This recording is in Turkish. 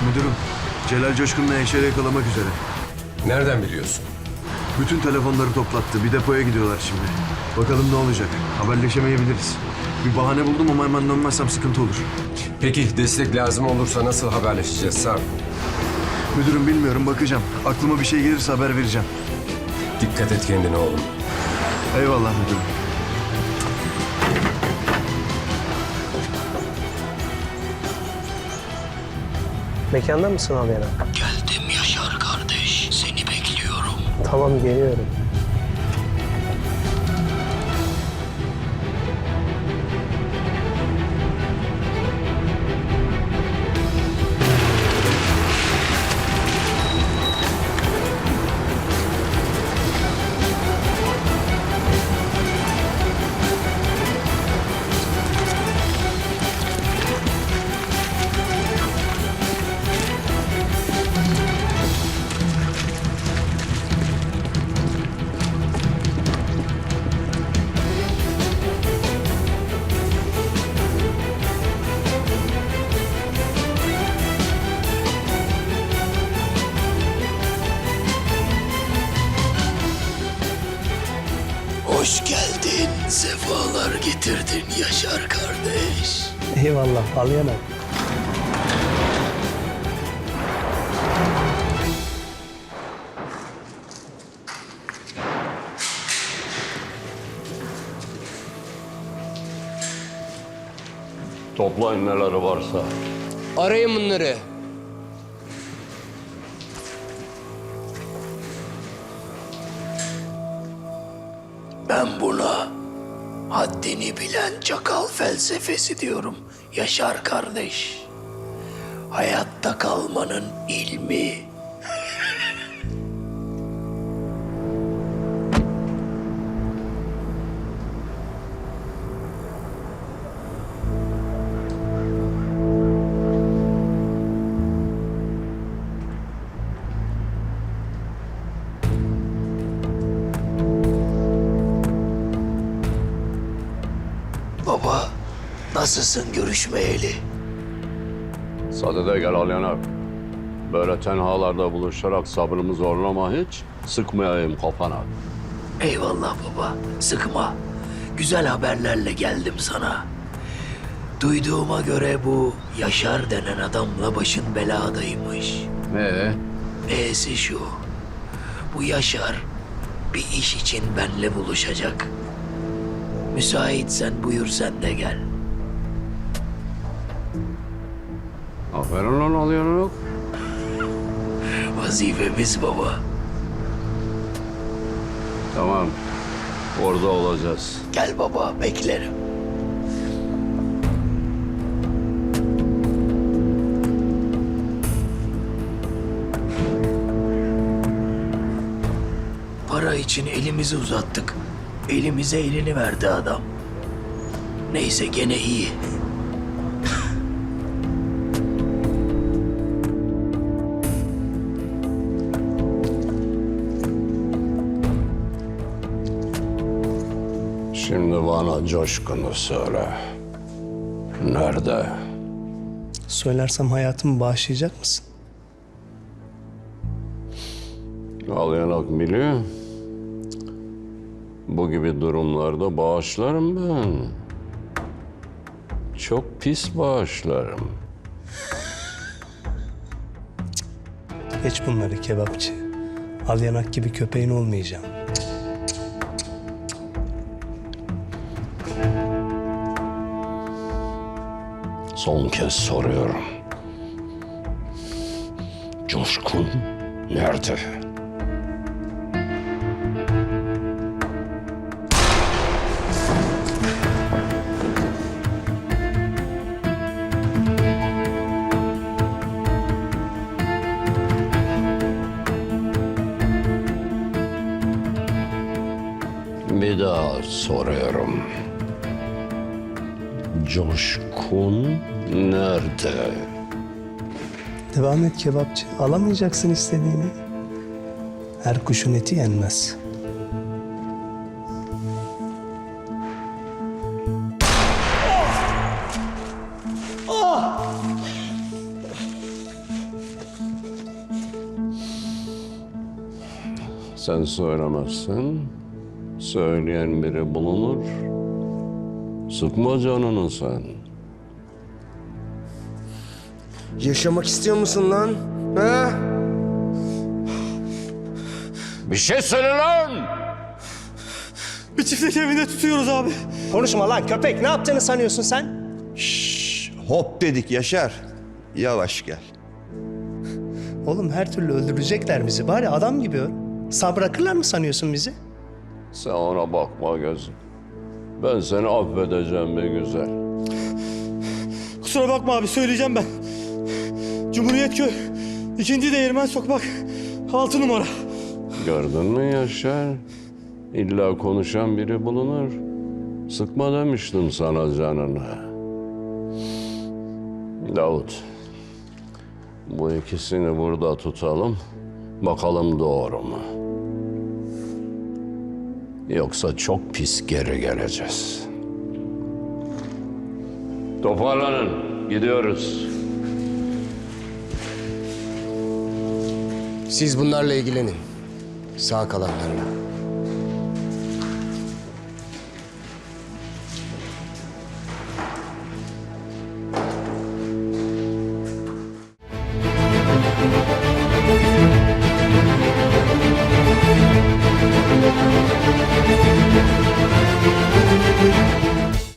Müdürüm, Celal Coşkun'la Yaşar'ı yakalamak üzere. Nereden biliyorsun? Bütün telefonları toplattı. Bir depoya gidiyorlar şimdi. Bakalım ne olacak. Haberleşemeyebiliriz. Bir bahane buldum ama hemen dönmezsem sıkıntı olur. Peki destek lazım olursa nasıl haberleşeceğiz Sarp? Müdürüm bilmiyorum, bakacağım. Aklıma bir şey gelirse haber vereceğim. Dikkat et kendine oğlum. Eyvallah müdürüm. Mekanda mısın abi yana? Geldim Yaşar kardeş. Seni bekliyorum. Tamam geliyorum. Hoş geldin. Sefalar getirdin Yaşar kardeş. Eyvallah al yana. Toplayın neleri varsa. Arayın bunları. Ben buna haddini bilen çakal felsefesi diyorum Yaşar kardeş. Hayatta kalmanın ilmi. Baba, nasılsın görüşmeyeli? Sadede gel al yanar. Böyle tenhalarda buluşarak sabrımı zorlama hiç. Sıkmayayım kafana. Eyvallah baba, sıkma. Güzel haberlerle geldim sana. Duyduğuma göre bu Yaşar denen adamla başın beladaymış. E'si şu, bu Yaşar bir iş için benle buluşacak. Müsaitsen buyur sen de gel. Aferin lan al yanar. Vazifemiz baba. Tamam. Orada olacağız. Gel baba, beklerim. Para için elimizi uzattık. Elimize elini verdi adam. Neyse gene iyi. Şimdi bana Coşkun'u söyle. Nerede? Söylersem hayatımı bağışlayacak mısın? Al yanak biliyor. Bu gibi durumlarda bağışlarım ben. Çok pis bağışlarım. Geç bunları kebapçı. Al yanak gibi köpeğin olmayacağım. Son kez soruyorum. Coşkun nerede? Bir daha soruyorum. Coşkun nerede? Devam et kebapçı. Alamayacaksın istediğini. Her kuşun eti yenmez. Sen söylemezsin, söyleyen biri bulunur. Sıkma canını sen. Yaşamak istiyor musun lan? Ha? Bir şey söyle lan! Bir çiftlik evinde tutuyoruz abi. Konuşma lan köpek. Ne yaptığını sanıyorsun sen? Hop dedik Yaşar. Yavaş gel. Oğlum her türlü öldürecekler bizi. Bari adam gibi öl. Sağ bırakırlar mı sanıyorsun bizi? Sen ona bakma gözüm. Ben seni affedeceğim be güzel. Kusura bakma abi söyleyeceğim ben. Cumhuriyetköy 2. Değirmen Sokak 6 numara. Gördün mü Yaşar? İlla konuşan biri bulunur. Sıkma demiştim sana canını. Davut, bu ikisini burada tutalım. Bakalım doğru mu? Yoksa çok pis geri geleceğiz. Toparlanın, gidiyoruz. Siz bunlarla ilgilenin. Sağ kalanlarla.